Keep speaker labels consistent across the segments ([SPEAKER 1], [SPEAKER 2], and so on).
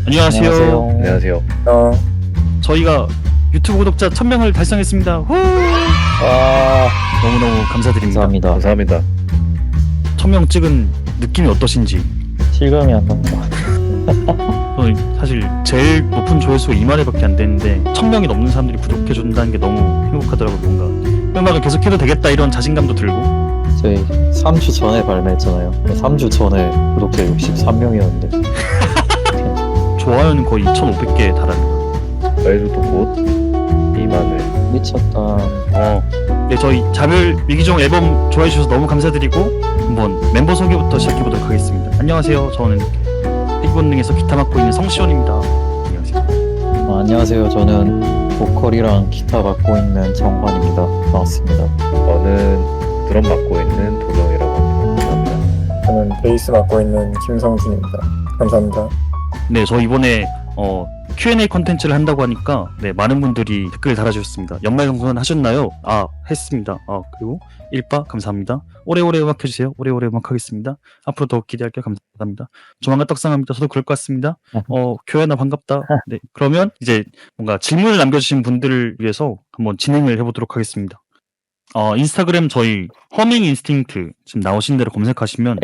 [SPEAKER 1] 안녕하세요.
[SPEAKER 2] 안녕하세요.
[SPEAKER 3] 안녕하세요.
[SPEAKER 1] 저희가 유튜브 구독자 1000명을 달성했습니다. 후!
[SPEAKER 2] 와,
[SPEAKER 1] 너무너무 감사드립니다.
[SPEAKER 2] 감사합니다.
[SPEAKER 3] 감사합니다.
[SPEAKER 1] 1000명 찍은 느낌이 어떠신지.
[SPEAKER 2] 실감이 안 납니다.
[SPEAKER 1] 저는 사실 제일 높은 조회수가 2만 회밖에 안 되는데 1000명이 넘는 사람들이 구독해준다는 게 너무 행복하더라고요. 뭔가 음악을 계속해도 되겠다 이런 자신감도 들고.
[SPEAKER 2] 저희 3주 전에 발매했잖아요. 3주 전에 구독자 63명이었는데
[SPEAKER 1] 좋아요는 거의 2500개에 달합니다.
[SPEAKER 3] 저희도 곧 2만을.
[SPEAKER 2] 미쳤다.
[SPEAKER 1] 네, 저희 자별 위기종 앨범 좋아해주셔서 너무 감사드리고 한번 멤버 소개부터 시작해보도록 하겠습니다. 안녕하세요. 저는 핵본능에서 기타 맡고 있는 성시원입니다. 안녕하세요.
[SPEAKER 2] 안녕하세요. 저는 보컬이랑 기타 맡고 있는 정환입니다. 반갑습니다.
[SPEAKER 3] 저는 드럼 맡고 있는 도정이라고 합니다. 감사합니다.
[SPEAKER 4] 저는 베이스 맡고 있는 김성준입니다. 감사합니다.
[SPEAKER 1] 네, 저 이번에 Q&A 컨텐츠를 한다고 하니까 네, 많은 분들이 댓글 달아주셨습니다. 연말정산 하셨나요? 아, 했습니다. 그리고 일빠 감사합니다. 오래오래 음악 해주세요. 오래오래 음악 하겠습니다. 앞으로 더욱 기대할게요. 감사합니다. 조만간 떡상합니다. 저도 그럴 것 같습니다. 교현아 반갑다. 네, 그러면 이제 뭔가 질문을 남겨주신 분들을 위해서 한번 진행을 해보도록 하겠습니다. 인스타그램 저희 허밍 인스팅트 지금 나오신 대로 검색하시면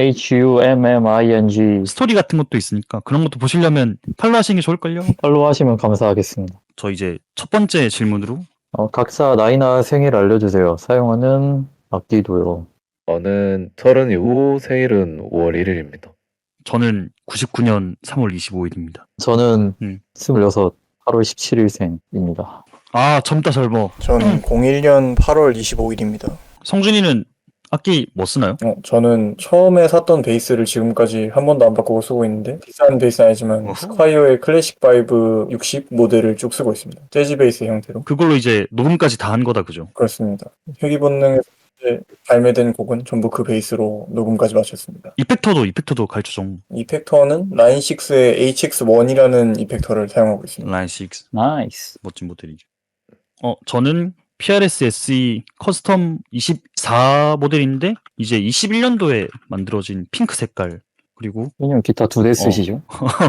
[SPEAKER 2] HUMMING
[SPEAKER 1] 스토리 같은 것도 있으니까 그런 것도 보시려면 팔로우 하시는 게 좋을걸요?
[SPEAKER 2] 팔로우 하시면 감사하겠습니다.
[SPEAKER 1] 저 이제 첫 번째 질문으로
[SPEAKER 2] 각자 나이나 생일 알려주세요. 사용하는 악기도요.
[SPEAKER 3] 저는 32, 생일은 5월 1일입니다.
[SPEAKER 1] 저는 99년 3월 25일입니다.
[SPEAKER 2] 저는
[SPEAKER 1] 음.
[SPEAKER 2] 26, 8월 17일생입니다.
[SPEAKER 1] 아, 젊다 젊어.
[SPEAKER 4] 저는 01년 8월 25일입니다.
[SPEAKER 1] 성준이는 악기 뭐 쓰나요?
[SPEAKER 4] 저는 처음에 샀던 베이스를 지금까지 한 번도 안 바꾸고 쓰고 있는데 비싼 베이스는 아니지만
[SPEAKER 1] 어허.
[SPEAKER 4] 스콰이어의 클래식 바이브 60 모델을 쭉 쓰고 있습니다. 재즈 베이스 형태로.
[SPEAKER 1] 그걸로 이제 녹음까지 다 한 거다 그죠?
[SPEAKER 4] 그렇습니다. 회귀본능에서 이제 발매된 곡은 전부 그 베이스로 녹음까지 마쳤습니다.
[SPEAKER 1] 이펙터도 갈조정
[SPEAKER 4] 이펙터는 라인6의 HX1이라는 이펙터를 사용하고 있습니다.
[SPEAKER 1] 라인 6
[SPEAKER 2] 나이스.
[SPEAKER 1] 멋진 모델이죠. 저는 PRS SE 커스텀 24 모델인데 이제 21년도에 만들어진 핑크 색깔 그리고
[SPEAKER 2] 왜냐면 기타 2대 쓰시죠?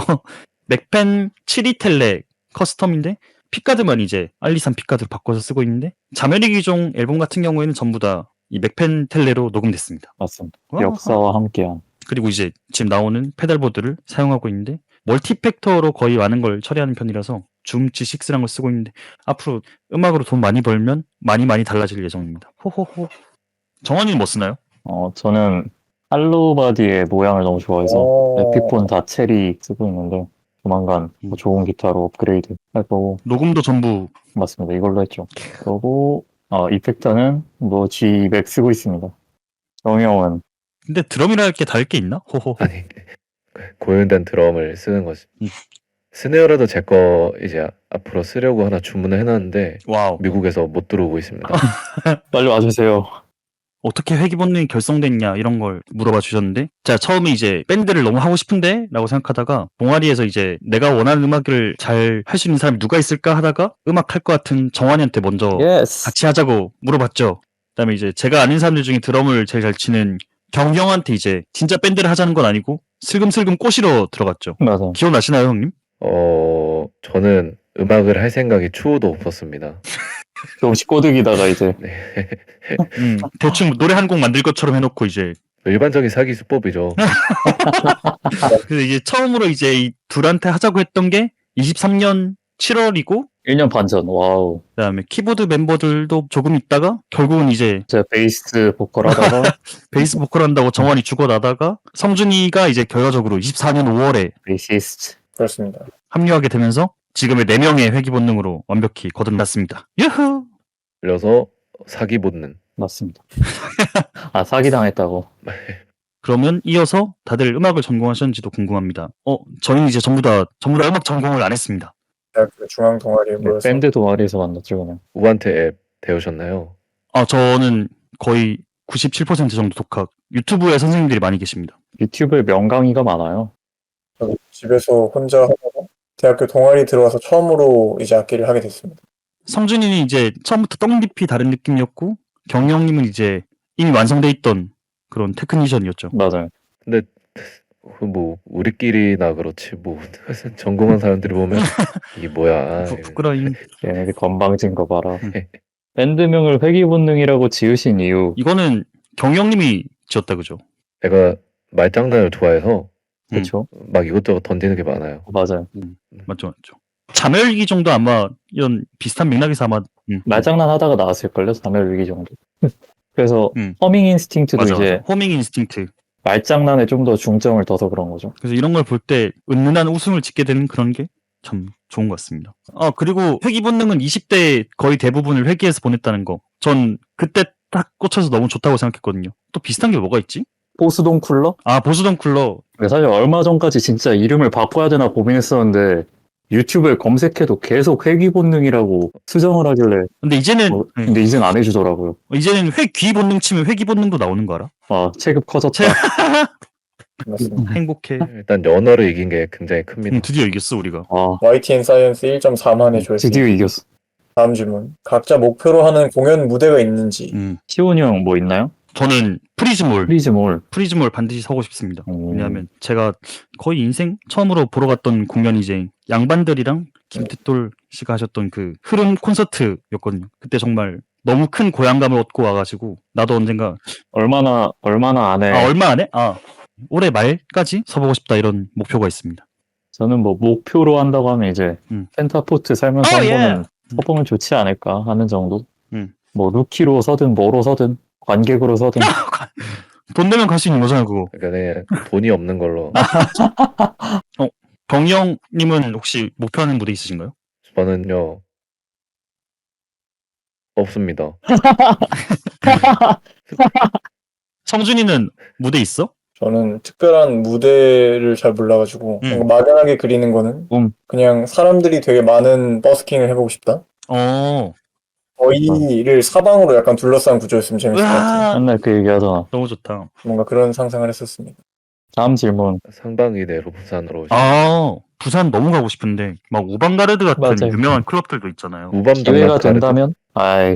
[SPEAKER 1] 맥펜 72텔레 커스텀인데 픽가드만 이제 알리산 픽가드로 바꿔서 쓰고 있는데 자멸의 기종 앨범 같은 경우에는 전부 다 이 맥펜 텔레로 녹음됐습니다.
[SPEAKER 2] 맞습니다.
[SPEAKER 1] 와.
[SPEAKER 2] 역사와 함께한.
[SPEAKER 1] 그리고 이제 지금 나오는 페달보드를 사용하고 있는데 멀티팩터로 거의 많은 걸 처리하는 편이라서 줌 G6라는 걸 쓰고 있는데 앞으로 음악으로 돈 많이 벌면 많이 달라질 예정입니다. 호호호. 정원이는 뭐 쓰나요?
[SPEAKER 2] 저는 할로바디의 모양을 너무 좋아해서 에픽폰 다 체리 쓰고 있는데 조만간 뭐 좋은 기타로 업그레이드 할 거고.
[SPEAKER 1] 녹음도 전부
[SPEAKER 2] 맞습니다. 이걸로 했죠. 그리고 이펙터는 뭐 G200 쓰고 있습니다. 정형은
[SPEAKER 1] 근데 드럼이라 할 게 다를 게 있나? 호호.
[SPEAKER 3] 아니, 고연된 드럼을 쓰는 거지.
[SPEAKER 1] 음.
[SPEAKER 3] 스네어라도 제 거 이제 앞으로 쓰려고 하나 주문을 해놨는데
[SPEAKER 1] 와우.
[SPEAKER 3] 미국에서 못 들어오고 있습니다.
[SPEAKER 2] 빨리 와주세요.
[SPEAKER 1] 어떻게 회귀 본능이 결성됐냐 이런 걸 물어봐 주셨는데 제가 처음에 이제 밴드를 너무 하고 싶은데 라고 생각하다가 동아리에서 이제 내가 원하는 음악을 잘 할 수 있는 사람이 누가 있을까 하다가 음악 할 것 같은 정환이한테 먼저
[SPEAKER 2] 예스.
[SPEAKER 1] 같이 하자고 물어봤죠. 그다음에 이제 제가 아는 사람들 중에 드럼을 제일 잘 치는 경형한테 이제 진짜 밴드를 하자는 건 아니고 슬금슬금 꼬시러 들어갔죠.
[SPEAKER 2] 맞아.
[SPEAKER 1] 기억나시나요 형님?
[SPEAKER 3] 저는 음악을 할 생각이 추호도 없었습니다.
[SPEAKER 2] 조금씩 꼬드기다가 이제
[SPEAKER 3] 네.
[SPEAKER 1] 대충 노래 한 곡 만들 것처럼 해놓고 이제
[SPEAKER 3] 일반적인 사기 수법이죠.
[SPEAKER 1] 그래서 이제 처음으로 이제 이 둘한테 하자고 했던 게 23년 7월이고
[SPEAKER 2] 1년 반 전. 와우.
[SPEAKER 1] 그다음에 키보드 멤버들도 조금 있다가 결국은 이제
[SPEAKER 2] 제가 베이스 보컬 하다가
[SPEAKER 1] 베이스 보컬 한다고 정환이 죽어나다가 성준이가 이제 결과적으로 24년 5월에
[SPEAKER 2] 베이시스트.
[SPEAKER 4] 그렇습니다.
[SPEAKER 1] 합류하게 되면서 지금의 4명의 회귀 본능으로 완벽히 거듭났습니다. 유후!
[SPEAKER 3] 그래서 사기 본능.
[SPEAKER 2] 맞습니다. 사기당했다고.
[SPEAKER 1] 그러면 이어서 다들 음악을 전공하셨는지도 궁금합니다. 저희는 이제 전부 다 음악 전공을 안 했습니다.
[SPEAKER 4] 대학교 중앙 동아리에 모여서
[SPEAKER 2] 밴드 동아리에서 만났죠 그냥.
[SPEAKER 3] 우한테 앱 배우셨나요?
[SPEAKER 1] 저는 거의 97% 정도 독학. 유튜브에 선생님들이 많이 계십니다.
[SPEAKER 2] 유튜브에 명강의가 많아요.
[SPEAKER 4] 저도 집에서 혼자 하다가 대학교 동아리 들어와서 처음으로 이제 악기를 하게 됐습니다.
[SPEAKER 1] 성준이는 이제 처음부터 떡잎이 다른 느낌이었고 경영님은 이제 이미 완성돼 있던 그런 테크니션이었죠.
[SPEAKER 2] 맞아요.
[SPEAKER 3] 근데 뭐 우리끼리나 그렇지 뭐 전공한 사람들이 보면 이게 뭐야.
[SPEAKER 1] 부끄러임.
[SPEAKER 2] 얘네들 건방진 거 봐라.
[SPEAKER 1] 음.
[SPEAKER 2] 밴드명을 회귀본능이라고 지으신 이유.
[SPEAKER 1] 이거는 경영님이 지었다 그죠?
[SPEAKER 3] 내가 말장난을 좋아해서
[SPEAKER 2] 그쵸?
[SPEAKER 3] 막 이것저것 던지는 게 많아요.
[SPEAKER 2] 맞아요.
[SPEAKER 1] 맞죠. 자멸기 정도 아마 이런 비슷한 맥락에서 아마
[SPEAKER 2] 말장난 하다가 나왔을걸요? 자멸위기 정도. 그래서
[SPEAKER 1] 음.
[SPEAKER 2] 허밍 인스팅트도
[SPEAKER 1] 맞아,
[SPEAKER 2] 이제
[SPEAKER 1] 맞아. 호밍 인스팅트.
[SPEAKER 2] 말장난에 좀 더 중점을 둬서 그런 거죠.
[SPEAKER 1] 그래서 이런 걸 볼 때 은은한 웃음을 짓게 되는 그런 게 참 좋은 것 같습니다. 그리고 회귀 본능은 20대 거의 대부분을 회귀해서 보냈다는 거. 전 그때 딱 꽂혀서 너무 좋다고 생각했거든요. 또 비슷한 게 뭐가 있지?
[SPEAKER 2] 보스동 쿨러?
[SPEAKER 1] 보수던 쿨러.
[SPEAKER 2] 사실 얼마 전까지 진짜 이름을 바꿔야 되나 고민했었는데 유튜브에 검색해도 계속 회귀 본능이라고 수정을 하길래
[SPEAKER 1] 근데 이제는
[SPEAKER 2] 근데 이젠 안 해주더라고요.
[SPEAKER 1] 이제는 회귀 본능 치면 회귀 본능도 나오는 거 알아?
[SPEAKER 2] 아 체급 커졌다.
[SPEAKER 4] 맞습니다.
[SPEAKER 1] 행복해.
[SPEAKER 3] 일단 연어를 이긴 게 굉장히 큽니다.
[SPEAKER 1] 드디어 이겼어 우리가.
[SPEAKER 2] 아
[SPEAKER 4] YTN 사이언스 1.4만의 조회수.
[SPEAKER 2] 드디어 이겼어.
[SPEAKER 4] 다음 질문. 각자 목표로 하는 공연 무대가 있는지.
[SPEAKER 2] 시온이 형 뭐 있나요?
[SPEAKER 1] 저는 프리즈몰
[SPEAKER 2] 프리즈몰
[SPEAKER 1] 반드시 서고 싶습니다.
[SPEAKER 2] 오.
[SPEAKER 1] 왜냐하면 제가 거의 인생 처음으로 보러 갔던 공연이 이제 양반들이랑 김태돌 씨가 하셨던 그 흐름 콘서트였거든요. 그때 정말 너무 큰 고향감을 얻고 와가지고 나도 언젠가
[SPEAKER 2] 얼마나 안에
[SPEAKER 1] 얼마 안에 올해 말까지 서보고 싶다 이런 목표가 있습니다.
[SPEAKER 2] 저는 뭐 목표로 한다고 하면 이제 펜타포트 살면서 한 번은 서보면 좋지 않을까 하는 정도. 뭐 루키로 서든 뭐로 서든 관객으로 서든
[SPEAKER 1] 돈 내면 갈 수 있는 거잖아 그거.
[SPEAKER 3] 그러니까 그냥 돈이 없는 걸로.
[SPEAKER 1] 경영님은 혹시 목표하는 무대 있으신가요?
[SPEAKER 3] 저는요 없습니다.
[SPEAKER 1] 성준이는 무대 있어?
[SPEAKER 4] 저는 특별한 무대를 잘 몰라가지고 뭔가 막연하게 그리는 거는 그냥 사람들이 되게 많은 버스킹을 해보고 싶다. 저희를 사방으로 약간 둘러싼 구조였으면 재밌을 것 같아요.
[SPEAKER 2] 맨날 그 얘기 하잖아.
[SPEAKER 1] 너무 좋다.
[SPEAKER 4] 뭔가 그런 상상을 했었습니다.
[SPEAKER 2] 다음 질문.
[SPEAKER 3] 상반기 내로 부산으로
[SPEAKER 1] 부산 너무 가고 싶은데 막 우방가르드 같은
[SPEAKER 2] 맞아요.
[SPEAKER 1] 유명한 클럽들도 있잖아요.
[SPEAKER 2] 기회가 된다면 아이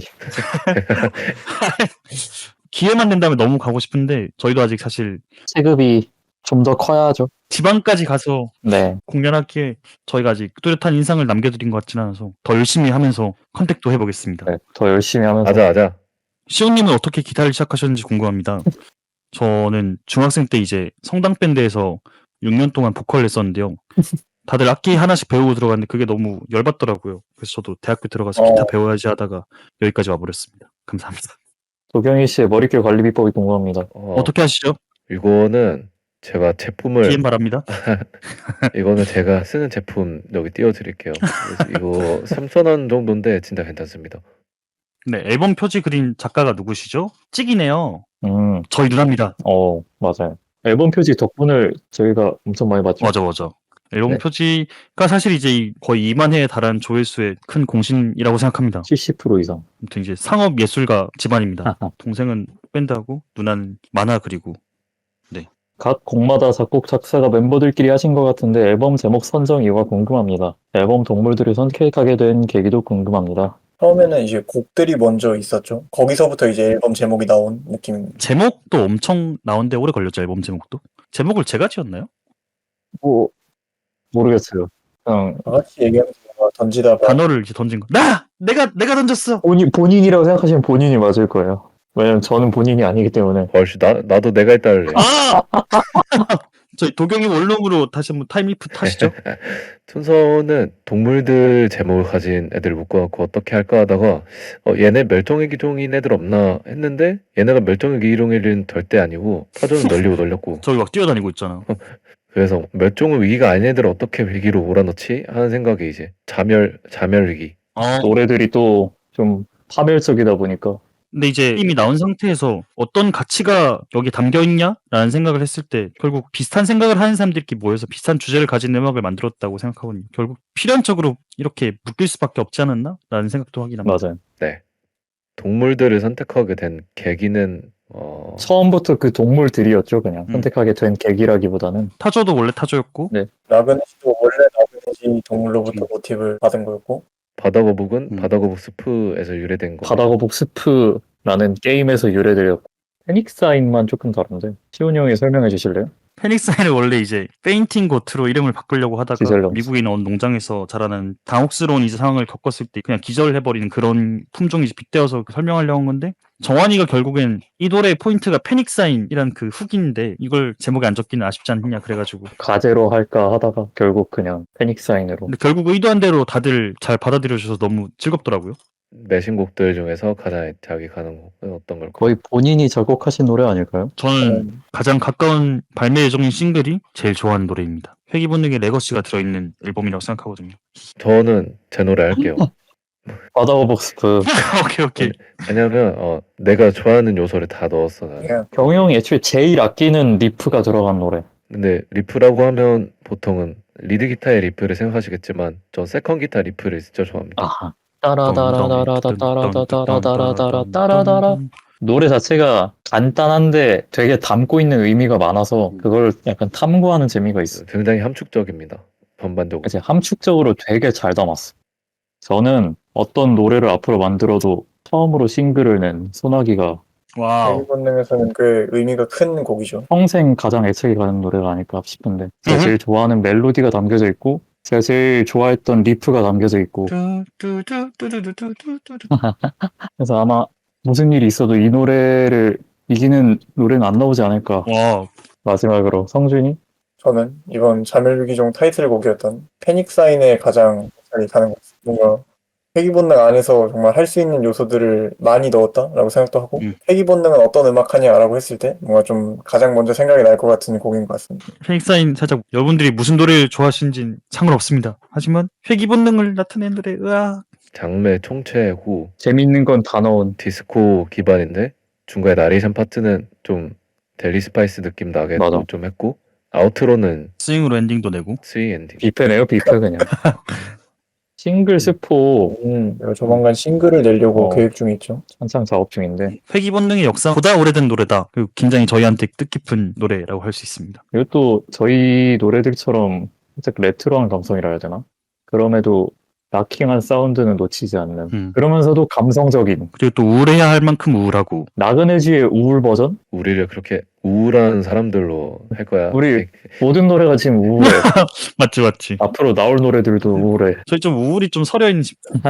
[SPEAKER 1] 기회만 된다면 너무 가고 싶은데 저희도 아직 사실
[SPEAKER 2] 체급이 좀 더 커야죠.
[SPEAKER 1] 지방까지 가서
[SPEAKER 2] 네.
[SPEAKER 1] 공연하기에 저희가 아직 뚜렷한 인상을 남겨드린 것 같지는 않아서 더 열심히 하면서 컨택도 해보겠습니다.
[SPEAKER 2] 네. 더 열심히 하면서
[SPEAKER 3] 하자.
[SPEAKER 1] 시온님은 어떻게 기타를 시작하셨는지 궁금합니다. 저는 중학생 때 이제 성당 밴드에서 6년 동안 보컬을 했었는데요. 다들 악기 하나씩 배우고 들어갔는데 그게 너무 열받더라고요. 그래서 저도 대학교 들어가서 기타 배워야지 하다가 여기까지 와버렸습니다. 감사합니다.
[SPEAKER 2] 도경희 씨의 머릿결 관리 비법이 궁금합니다.
[SPEAKER 1] 어떻게 하시죠?
[SPEAKER 3] 이거는 제가 제품을
[SPEAKER 1] DM 바랍니다.
[SPEAKER 3] 이거는 제가 쓰는 제품 여기 띄워드릴게요. 그래서 이거 3,000원 정도인데 진짜 괜찮습니다.
[SPEAKER 1] 네, 앨범 표지 그린 작가가 누구시죠? 찍이네요.
[SPEAKER 2] 음.
[SPEAKER 1] 저희 누나입니다.
[SPEAKER 2] 맞아요. 앨범 표지 덕분을 저희가 엄청 많이 봤죠.
[SPEAKER 1] 맞아. 앨범
[SPEAKER 2] 네.
[SPEAKER 1] 표지가 사실 이제 거의 2만 회에 달한 조회수의 큰 공신이라고 생각합니다.
[SPEAKER 2] 70% 이상.
[SPEAKER 1] 아무튼 이제 상업 예술가 집안입니다. 동생은 밴드하고 누나는 만화 그리고.
[SPEAKER 2] 각 곡마다 작곡 작사가 멤버들끼리 하신 것 같은데 앨범 제목 선정 이유가 궁금합니다. 앨범 동물들을 선택하게 된 계기도 궁금합니다.
[SPEAKER 4] 처음에는 이제 곡들이 먼저 있었죠. 거기서부터 이제 앨범 제목이 나온 느낌입니다.
[SPEAKER 1] 제목도 엄청 나온데 오래 걸렸죠, 앨범 제목도. 제목을 제가 지었나요?
[SPEAKER 2] 뭐 모르겠어요. 그냥
[SPEAKER 4] 다 같이 얘기하면서 뭔가 던지다가
[SPEAKER 1] 단어를 이제 던진 거. 내가 던졌어.
[SPEAKER 2] 본인이라고 생각하시면 본인이 맞을 거예요. 왜냐면 저는 본인이 아니기 때문에.
[SPEAKER 3] 벌써 나도 내가 했다 할래.
[SPEAKER 1] 저희 도경이 원룸으로 다시 한번 타임리프 타시죠.
[SPEAKER 3] 순서는 동물들 제목을 가진 애들 묶어갖고 어떻게 할까 하다가 얘네 멸종의 기종인 애들 없나 했는데 얘네가 멸종의 기종일은 절대 아니고 타조는 널리고 널렸고
[SPEAKER 1] 저기 막 뛰어다니고 있잖아.
[SPEAKER 3] 그래서 멸종의 위기가 아닌 애들을 어떻게 위기로 몰아넣지 하는 생각이 이제 자멸 위기.
[SPEAKER 2] 노래들이 또 좀 파멸적이다 보니까
[SPEAKER 1] 근데 이제 이미 나온 상태에서 어떤 가치가 여기 담겨 있냐라는 생각을 했을 때 결국 비슷한 생각을 하는 사람들끼리 모여서 비슷한 주제를 가진 음악을 만들었다고 생각하거든요. 결국 필연적으로 이렇게 묶일 수밖에 없지 않았나라는 생각도 하긴 합니다.
[SPEAKER 2] 맞아요.
[SPEAKER 3] 네. 동물들을 선택하게 된 계기는
[SPEAKER 2] 처음부터 그 동물들이었죠. 그냥 선택하게 된 계기라기보다는.
[SPEAKER 1] 타조도 원래 타조였고
[SPEAKER 4] 나그네시도 원래 나그네시 동물로부터 모티브를 받은 거였고
[SPEAKER 3] 바다거북은 바다거북 스프에서 유래된 거.
[SPEAKER 2] 바다거북 스프라는 게임에서 유래되었고 페닉사인만 조금 다른데 시훈이 형이 설명해 주실래요?
[SPEAKER 1] 페닉사인을 원래 이제 페인팅 고트로 이름을 바꾸려고 하다가
[SPEAKER 2] 기절령.
[SPEAKER 1] 미국에 있는 어느 농장에서 자라는 당혹스러운 이제 상황을 겪었을 때 그냥 기절해버리는 그런 품종이 이제 빗대어서 설명하려고 한 건데 정환이가 결국엔 이 노래의 포인트가 페닉사인이란 그 훅인데 이걸 제목에 안 적기는 아쉽지 않느냐 그래가지고
[SPEAKER 2] 가제로 할까 하다가 결국 그냥 페닉사인으로.
[SPEAKER 1] 근데 결국 의도한 대로 다들 잘 받아들여 주셔서 너무 즐겁더라고요.
[SPEAKER 3] 매신곡들 중에서 가장 애착이 가는 곡은 어떤 걸까요?
[SPEAKER 2] 거의 본인이 작곡하신 노래 아닐까요?
[SPEAKER 1] 저는 가장 가까운 발매 예정인 싱글이 제일 좋아하는 노래입니다. 회기 본능의 레거시가 들어있는 앨범이라고 생각하거든요.
[SPEAKER 3] 저는 제 노래 할게요.
[SPEAKER 2] 바다오복스프.
[SPEAKER 1] 오케이.
[SPEAKER 3] 왜냐면 내가 좋아하는 요소를 다 넣었어 나는.
[SPEAKER 4] 그냥
[SPEAKER 2] 경희 형이 애초에 제일 아끼는 리프가 들어간 노래.
[SPEAKER 3] 근데 리프라고 하면 보통은 리드 기타의 리프를 생각하시겠지만 전 세컨 기타 리프를 진짜 좋아합니다.
[SPEAKER 2] 아하. 따라다라다라다라다라다라다라다라다라. 노래 자체가 간단한데 되게 담고 있는 의미가 많아서 그걸 약간 탐구하는 재미가 있어.
[SPEAKER 3] 굉장히 함축적입니다. 전반적으로.
[SPEAKER 2] 이제 함축적으로 되게 잘 담았어. 저는 어떤 노래를 앞으로 만들어도 처음으로 싱글을 낸 소나기가
[SPEAKER 1] 와우.
[SPEAKER 4] 회기 본능에서는 꽤 의미가 큰 곡이죠.
[SPEAKER 2] 평생 가장 애착이 가는 노래가 아닐까 싶은데 제가 제일 좋아하는 멜로디가 담겨져 있고 제가 제일 좋아했던 리프가 담겨져 있고 그래서 아마 무슨 일이 있어도 이 노래를 이기는 노래는 안 나오지 않을까.
[SPEAKER 1] 와.
[SPEAKER 2] 마지막으로 성준이?
[SPEAKER 4] 저는 이번 자멸위기종 타이틀곡이었던 패닉사인에 가장 잘 가는 것 같습니다. 뭔가 회기본능 안에서 정말 할 수 있는 요소들을 많이 넣었다라고 생각도 하고 회기본능은 어떤 음악하냐라고 했을 때 뭔가 좀 가장 먼저 생각이 날 것 같은 곡인 것 같습니다.
[SPEAKER 1] 페닉사인 살짝 여러분들이 무슨 노래를 좋아하시는지 상관없습니다. 하지만 회기 본능을 나타낸 노래 으아.
[SPEAKER 3] 장르 총체 후
[SPEAKER 2] 재밌는 건 다 넣은
[SPEAKER 3] 디스코 기반인데 중간에 나레이션 파트는 좀 델리 스파이스 느낌 나게
[SPEAKER 2] 맞아.
[SPEAKER 3] 또 좀 했고 아우트로는
[SPEAKER 1] 스윙으로 엔딩도 내고
[SPEAKER 3] 스윙 엔딩.
[SPEAKER 2] 뷔페네요 뷔페 그냥. 싱글 스포
[SPEAKER 4] 내가 조만간 싱글을 내려고 계획 중에 있죠.
[SPEAKER 2] 한창 작업 중인데
[SPEAKER 1] 회기 본능의 역사보다 오래된 노래다. 그리고 굉장히 저희한테 뜻깊은 노래라고 할 수 있습니다.
[SPEAKER 2] 이것도 저희 노래들처럼 살짝 레트로한 감성이라 해야 되나? 그럼에도 락킹한 사운드는 놓치지 않는 그러면서도 감성적인
[SPEAKER 1] 그리고 또 우울해야 할 만큼 우울하고
[SPEAKER 2] 나그네지의 우울 버전?
[SPEAKER 3] 우리를 그렇게 우울한 사람들로 할 거야.
[SPEAKER 2] 우리 모든 노래가 지금 우울해.
[SPEAKER 1] 맞지.
[SPEAKER 2] 앞으로 나올 노래들도 우울해.
[SPEAKER 1] 저희 좀 우울이 좀 서려있는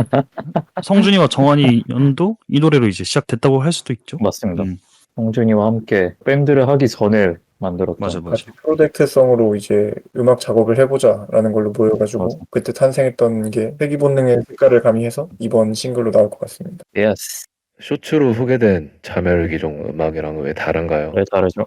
[SPEAKER 1] 성준이와 정환이 연도 이 노래로 이제 시작됐다고 할 수도 있죠.
[SPEAKER 2] 맞습니다. 성준이와 함께 밴드를 하기 전에 만들었던
[SPEAKER 1] 맞아.
[SPEAKER 4] 같이 프로젝트성으로 이제 음악 작업을 해보자라는 걸로 모여가지고
[SPEAKER 2] 맞아.
[SPEAKER 4] 그때 탄생했던 게 회기 본능의 색깔을 가미해서 이번 싱글로 나올 것 같습니다.
[SPEAKER 2] 예스.
[SPEAKER 3] 쇼츠로 소개된 자멸기종 음악이랑 왜 다른가요?
[SPEAKER 2] 왜 다르죠?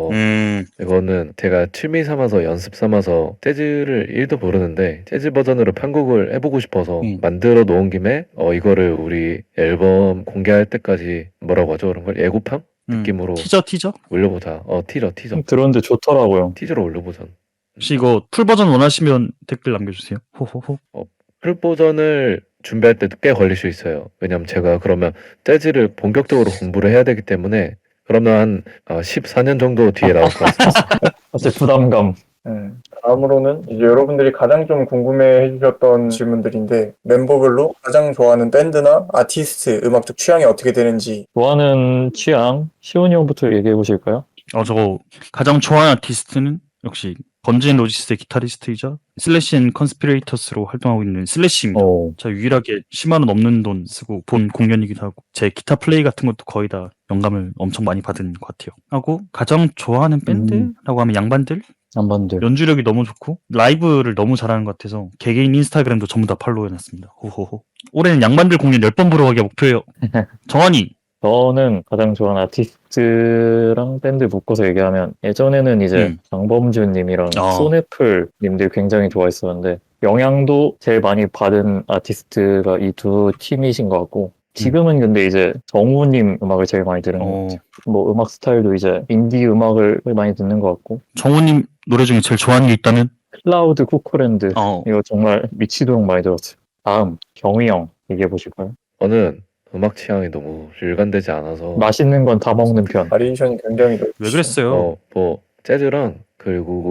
[SPEAKER 3] 이거는 제가 취미 삼아서 연습 삼아서 재즈를 1도 모르는데 재즈 버전으로 편곡을 해보고 싶어서 만들어 놓은 김에 이거를 우리 앨범 공개할 때까지 뭐라고 하죠? 그런 걸 예고편? 느낌으로
[SPEAKER 1] 티저?
[SPEAKER 3] 올려보자. 티저.
[SPEAKER 2] 들었는데 좋더라고요.
[SPEAKER 3] 티저로 올려보자.
[SPEAKER 1] 혹시 이거 풀 버전 원하시면 댓글 남겨주세요. 호호호.
[SPEAKER 3] 풀 버전을 준비할 때도 꽤 걸릴 수 있어요. 왜냐면 제가 그러면 재즈를 본격적으로 공부를 해야 되기 때문에 그러면 한 14년 정도 뒤에 나올 것 같습니다.
[SPEAKER 2] 사실 부담감.
[SPEAKER 4] 다음으로는 이제 여러분들이 가장 좀 궁금해 해주셨던 질문들인데 멤버별로 가장 좋아하는 밴드나 아티스트 음악적 취향이 어떻게 되는지
[SPEAKER 2] 좋아하는 취향 시온이 형부터 얘기해 보실까요?
[SPEAKER 1] 저거 가장 좋아하는 아티스트는 역시 건진 로지스의 기타리스트이자 슬래시 앤 컨스피레이터스로 활동하고 있는 슬래시입니다. 제가 유일하게 10만 원 넘는 돈 쓰고 본 공연이기도 하고 제 기타 플레이 같은 것도 거의 다 영감을 엄청 많이 받은 것 같아요. 하고 가장 좋아하는 밴드라고 하면 양반들? 연주력이 너무 좋고 라이브를 너무 잘하는 것 같아서 개개인 인스타그램도 전부 다 팔로우해놨습니다. 호호호. 올해는 양반들 공연 10번 보러 가기가 목표예요. 정환이!
[SPEAKER 2] 저는 가장 좋아하는 아티스트랑 밴드 묶어서 얘기하면 예전에는 이제 장범준 님이랑 소네플 님들 굉장히 좋아했었는데 영향도 제일 많이 받은 아티스트가 이 두 팀이신 것 같고 지금은 근데 이제 정우님 음악을 제일 많이 들은 것 같아요. 뭐 음악 스타일도 이제 인디 음악을 많이 듣는 것 같고
[SPEAKER 1] 정우님 노래 중에 제일 좋아하는 게 있다면?
[SPEAKER 2] 클라우드 쿠커랜드 이거 정말 미치도록 많이 들었어요. 다음 경희 형 얘기해 보실까요?
[SPEAKER 3] 저는 음악 취향이 너무 일관되지 않아서
[SPEAKER 2] 맛있는 건 다 먹는 편.
[SPEAKER 4] 바리에이션이 굉장히
[SPEAKER 1] 왜 그랬어요?
[SPEAKER 3] 뭐 재즈랑 그리고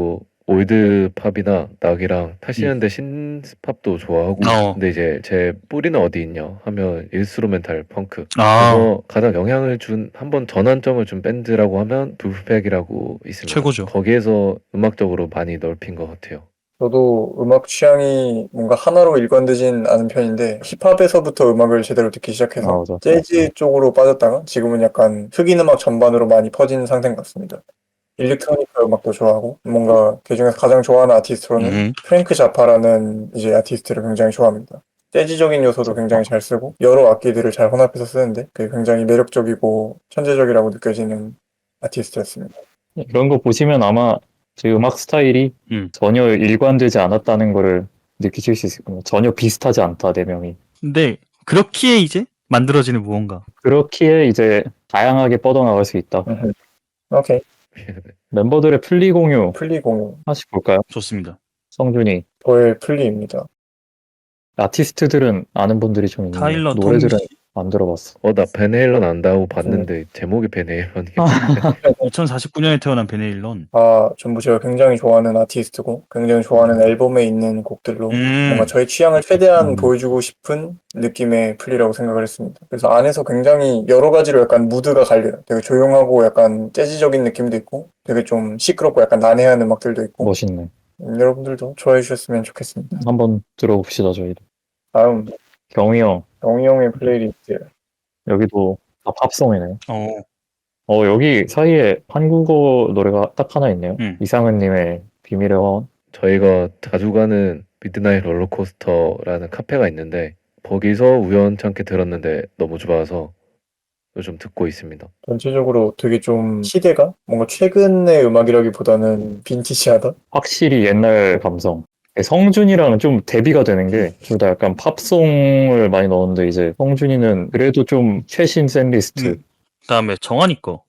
[SPEAKER 3] 올드 팝이나 락이랑 80년대 신팝도 좋아하고 근데 이제 제 뿌리는 어디 있냐 하면 인스트루멘탈 펑크 그래서 가장 영향을 준 한번 전환점을 준 밴드라고 하면 블루팩이라고 있습니다.
[SPEAKER 1] 최고죠.
[SPEAKER 3] 거기에서 음악적으로 많이 넓힌 것 같아요.
[SPEAKER 4] 저도 음악 취향이 뭔가 하나로 일관되진 않은 편인데 힙합에서부터 음악을 제대로 듣기 시작해서
[SPEAKER 2] 맞아.
[SPEAKER 4] 재즈 쪽으로 빠졌다가 지금은 약간 흑인 음악 전반으로 많이 퍼진 상태인 것 같습니다. 일렉트로니카 음악도 좋아하고 뭔가 그중에서 가장 좋아하는 아티스트로는 프랭크 자파라는 이제 아티스트를 굉장히 좋아합니다. 재즈적인 요소도 굉장히 잘 쓰고 여러 악기들을 잘 혼합해서 쓰는데 그게 굉장히 매력적이고 천재적이라고 느껴지는 아티스트였습니다.
[SPEAKER 2] 이런 거 보시면 아마 제 음악 스타일이 전혀 일관되지 않았다는 거를 느끼실 수 있을 겁니다. 전혀 비슷하지 않다, 네 명이.
[SPEAKER 1] 근데 그렇기에 이제 만들어지는 무언가.
[SPEAKER 2] 그렇기에 이제 다양하게 뻗어나갈 수 있다.
[SPEAKER 4] 오케이.
[SPEAKER 2] 멤버들의 플리 공유
[SPEAKER 4] 플리 공유.
[SPEAKER 2] 하나씩 볼까요?
[SPEAKER 1] 좋습니다.
[SPEAKER 2] 성준이.
[SPEAKER 4] 저의 플리입니다.
[SPEAKER 2] 아티스트들은 아는 분들이 좀 있는데
[SPEAKER 1] 타일러
[SPEAKER 2] 노래들은
[SPEAKER 1] 톰
[SPEAKER 2] 안 들어봤어.
[SPEAKER 3] 나 베네일런 안다고 봤는데 제목이 베네일런이
[SPEAKER 1] 2049년에 태어난 베네일런.
[SPEAKER 4] 전부 제가 굉장히 좋아하는 아티스트고 굉장히 좋아하는 앨범에 있는 곡들로 뭔가 저의 취향을 최대한 보여주고 싶은 느낌의 플리라고 생각을 했습니다. 그래서 안에서 굉장히 여러 가지로 약간 무드가 갈려요. 되게 조용하고 약간 재즈적인 느낌도 있고 되게 좀 시끄럽고 약간 난해한 음악들도 있고
[SPEAKER 2] 멋있네.
[SPEAKER 4] 여러분들도 좋아해 주셨으면 좋겠습니다.
[SPEAKER 2] 한번 들어봅시다, 저희도.
[SPEAKER 4] 다음
[SPEAKER 2] 경희 형.
[SPEAKER 4] 영희 형의 플레이리스트.
[SPEAKER 2] 여기도 다 팝송이네.
[SPEAKER 1] 어,
[SPEAKER 2] 여기 사이에 한국어 노래가 딱 하나 있네요. 이상은님의 비밀의 화원.
[SPEAKER 3] 저희가 자주 가는 미드나잇 롤러코스터라는 카페가 있는데 거기서 우연찮게 들었는데 너무 좋아서 요즘 듣고 있습니다.
[SPEAKER 4] 전체적으로 되게 좀 시대가 뭔가 최근의 음악이라기보다는 빈티지하다?
[SPEAKER 2] 확실히 옛날 감성. 성준이랑은 좀 대비가 되는 게 둘 다 약간 팝송을 많이 넣었는데 이제 성준이는 그래도 좀 최신 샌리스트.
[SPEAKER 1] 그다음에 정한이 거.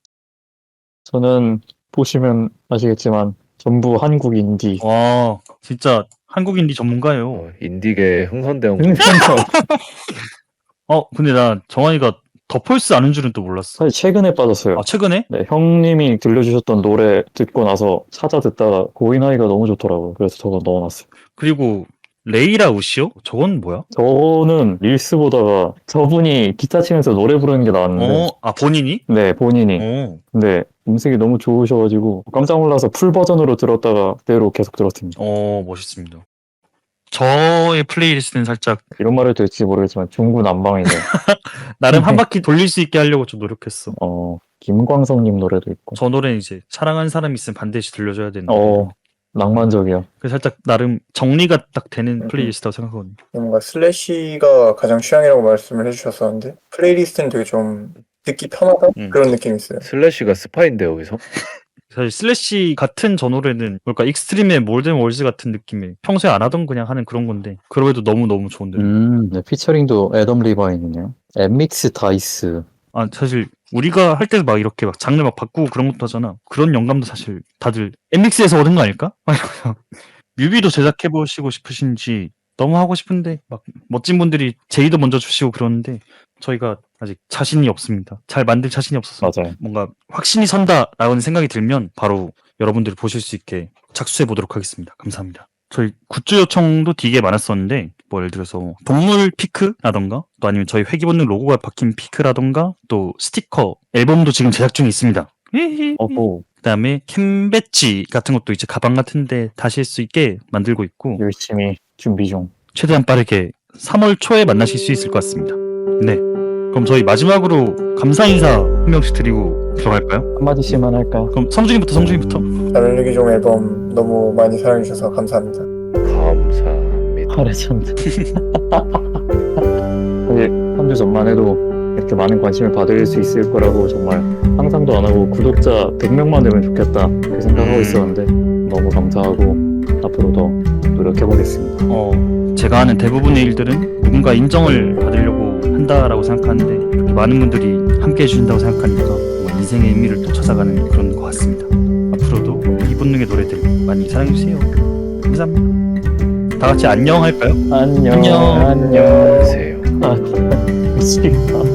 [SPEAKER 2] 저는 보시면 아시겠지만 전부 한국 인디.
[SPEAKER 1] 와, 진짜 한국 인디 전문가예요.
[SPEAKER 3] 인디계 흥선대원
[SPEAKER 1] 근데 나 정한이가 더 폴스 아는 줄은 또 몰랐어.
[SPEAKER 2] 사실 최근에 빠졌어요.
[SPEAKER 1] 아, 최근에?
[SPEAKER 2] 네, 형님이 들려주셨던 노래 듣고 나서 찾아 듣다가 고인아이가 너무 좋더라고요. 그래서 저거 넣어놨어요.
[SPEAKER 1] 그리고 레이라 우시오? 저건 뭐야?
[SPEAKER 2] 저는 릴스 보다가 저분이 기타 치면서 노래 부르는 게 나왔는데
[SPEAKER 1] 본인이?
[SPEAKER 2] 네, 본인이. 근데 음색이 너무 좋으셔가지고 깜짝 놀라서 풀 버전으로 들었다가 그대로 계속 들었습니다.
[SPEAKER 1] 멋있습니다. 저의 플레이리스트는 살짝
[SPEAKER 2] 이런 말을 될지 모르겠지만 중구난방이네.
[SPEAKER 1] 나름 한 바퀴 돌릴 수 있게 하려고 좀 노력했어.
[SPEAKER 2] 김광석님 노래도 있고.
[SPEAKER 1] 저 노래는 이제 사랑하는 사람이 있으면 반드시 들려줘야 되는.
[SPEAKER 2] 낭만적이야.
[SPEAKER 1] 그래서 살짝 나름 정리가 딱 되는 플레이리스트라고 생각하거든요.
[SPEAKER 4] 뭔가 슬래시가 가장 취향이라고 말씀을 해주셨었는데 플레이리스트는 되게 좀 듣기 편하다? 그런 느낌이 있어요.
[SPEAKER 3] 슬래시가 스파인데 여기서?
[SPEAKER 1] 사실 슬래시 같은 저 노래는 뭘까 익스트림의 몰든 월즈 같은 느낌이 평소에 안 하던 그냥 하는 그런 건데 그럼에도 너무너무 좋은데.
[SPEAKER 2] 네, 피처링도 애덤 리바인이네요. 엠믹스 다이스.
[SPEAKER 1] 사실 우리가 할 때도 막 이렇게 막 장르 막 바꾸고 그런 것도 하잖아. 그런 영감도 사실 다들 엠믹스에서 얻은 거 아닐까? 뮤비도 제작해보시고 싶으신지 너무 하고 싶은데 막 멋진 분들이 제의도 먼저 주시고 그러는데 저희가 아직 자신이 없습니다. 잘 만들 자신이 없어서
[SPEAKER 2] 맞아요.
[SPEAKER 1] 뭔가 확신이 선다라는 생각이 들면 바로 여러분들이 보실 수 있게 착수해 보도록 하겠습니다. 감사합니다. 저희 굿즈 요청도 되게 많았었는데 뭐 예를 들어서 동물 피크라던가 또 아니면 저희 회기본능 로고가 박힌 피크라던가 또 스티커 앨범도 지금 제작 중에 있습니다. 그다음에 캔 배지 같은 것도 이제 가방 같은데 다실 수 있게 만들고 있고
[SPEAKER 2] 열심히 준비 중.
[SPEAKER 1] 최대한 빠르게 3월 초에 만나실 수 있을 것 같습니다. 네. 그럼 저희 마지막으로 감사 인사 한 명씩 드리고 들어갈까요?
[SPEAKER 2] 한마디씩만 할까?
[SPEAKER 1] 그럼 성준이부터.
[SPEAKER 4] 자멸리기종 앨범 너무 많이 사랑해주셔서 감사합니다.
[SPEAKER 3] 감사합니다.
[SPEAKER 2] 하레찬드. 사실 3주 전만 해도 이렇게 많은 관심을 받을 수 있을 거라고 정말 상상도 안 하고 구독자 100명만 되면 좋겠다 그렇게 생각하고 있었는데 너무 감사하고 앞으로 더 노력해보겠습니다.
[SPEAKER 1] 제가 하는 대부분의 일들은 누군가 인정을 받으려고 한다라고 생각하는데 그렇게 많은 분들이 함께 해주신다고 생각하니까 정말 인생의 의미를 또 찾아가는 그런 것 같습니다. 앞으로도 이 본능의 노래들 많이 사랑해주세요. 감사합니다. 다 같이 안녕 할까요?
[SPEAKER 2] 안녕.
[SPEAKER 1] 안녕.
[SPEAKER 3] 안녕하세요.
[SPEAKER 2] 미치겠다.